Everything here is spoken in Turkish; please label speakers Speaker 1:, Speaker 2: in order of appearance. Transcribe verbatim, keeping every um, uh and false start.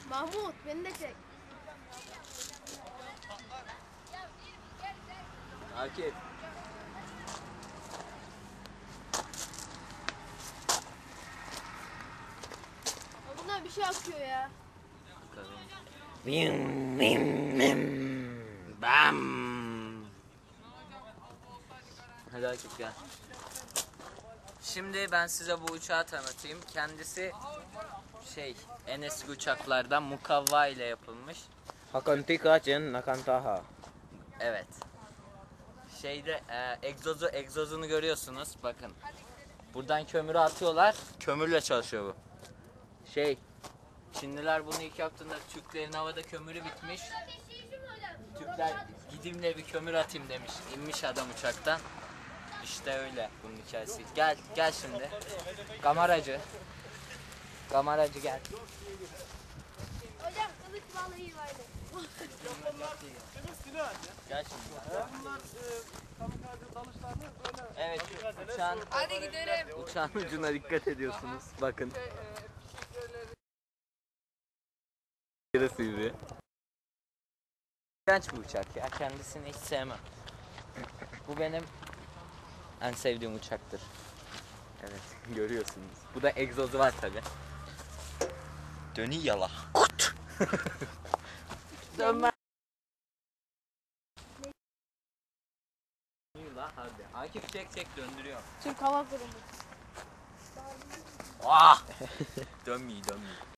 Speaker 1: Mahmut beni de çek.
Speaker 2: Akif.
Speaker 1: Bundan bir şey akıyor ya.
Speaker 2: Bim bim bim. Bam. Hadi Akif gel. Şimdi ben size bu uçağı tanıtayım. Kendisi şey en eski uçaklardan mukavva ile yapılmış.
Speaker 3: Hakantika Cen Nakantaha.
Speaker 2: Evet. Şeyde e, egzozu egzozunu görüyorsunuz. Bakın. Buradan kömürü atıyorlar. Kömürle çalışıyor bu. Şey Çinliler bunu ilk yaptığında Türklerin havada kömürü bitmiş. Türkler gideyim de bir kömür atayım demiş. İnmiş adam uçaktan. İşte öyle bunun hikayesi. Gel gel şimdi. Kameracı. Kameracı gel.
Speaker 1: Hocam kılıç vallahi vardı.
Speaker 2: Gel şimdi.
Speaker 4: Bunlar e, kamikaze dalışlarını öyle...
Speaker 2: Evet uçağın,
Speaker 1: Hadi gidelim.
Speaker 2: uçağın ucuna dikkat ediyorsunuz. Bakın. Yarısı gibi. İğrenç bir uçak ya. Kendisini hiç sevmem. Bu benim en sevdiğim uçaktır. Evet görüyorsunuz. Bu da egzozu var tabi. Dönü yala. Kut. Dönme. Hadi. Akif çek çek döndürüyor.
Speaker 1: Türk Hava Kurumu.
Speaker 2: Ah! Dönmüyor dönmüyor.